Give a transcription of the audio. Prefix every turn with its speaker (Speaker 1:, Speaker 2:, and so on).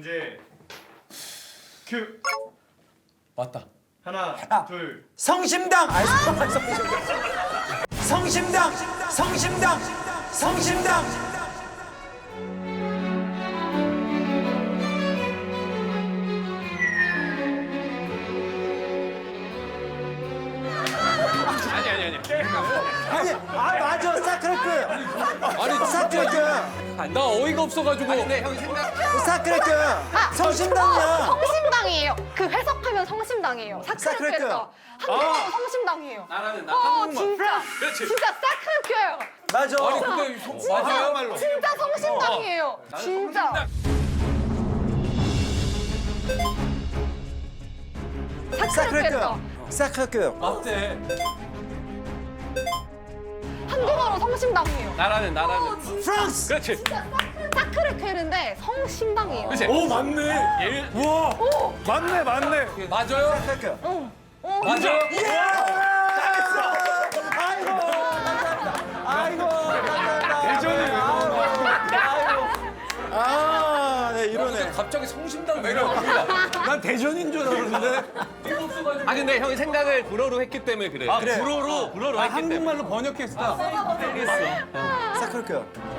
Speaker 1: 문제 큐.
Speaker 2: 맞다.
Speaker 1: 하나, 둘.
Speaker 3: 성심당. 성심당. 성심당. 성심당. 아니, 맞아. 사크레크.
Speaker 2: 아니
Speaker 3: 사크레크.
Speaker 2: 나 어이가 없어가지고.
Speaker 3: 사크레크. 성심당이야.
Speaker 4: 성심당이에요. 그 해석하면 성심당이에요.
Speaker 3: 사크레크.
Speaker 4: 사크레크가 한국어로 성심당이에요.
Speaker 2: 나라는 나
Speaker 4: 진짜.
Speaker 2: 그렇지.
Speaker 4: 진짜 사크레크예요.
Speaker 3: 맞아.
Speaker 2: 아니 근데 맞아요 말로.
Speaker 4: 진짜 성심당이에요. 진짜.
Speaker 3: 사크레크.
Speaker 4: 사크레크가
Speaker 3: 사크레크.
Speaker 2: 맞대.
Speaker 4: 한국어로 성심당이에요.
Speaker 2: 나라는
Speaker 3: 프랑스.
Speaker 2: 그렇지.
Speaker 4: 사크레크인데 성심당이에요.
Speaker 2: 그렇지.
Speaker 5: 오 맞네. 우와. 맞네 맞네.
Speaker 2: 맞아요?
Speaker 3: 사크레크.
Speaker 2: 맞아요?
Speaker 3: 아이고, 감사합니다. 아이고, 감사합니다.
Speaker 5: 대전이
Speaker 3: 아, 네, 이러네.
Speaker 2: 갑자기 성심당 매력입니다.
Speaker 5: 난 대전인 줄 알았는데.
Speaker 6: 아 근데 형이 생각을 불어로 했기 때문에 그래.
Speaker 5: 아
Speaker 3: 그래.
Speaker 5: 불어로
Speaker 6: 불어로 했기 때문에.
Speaker 5: 한국말로 번역했어.
Speaker 3: 사크레크.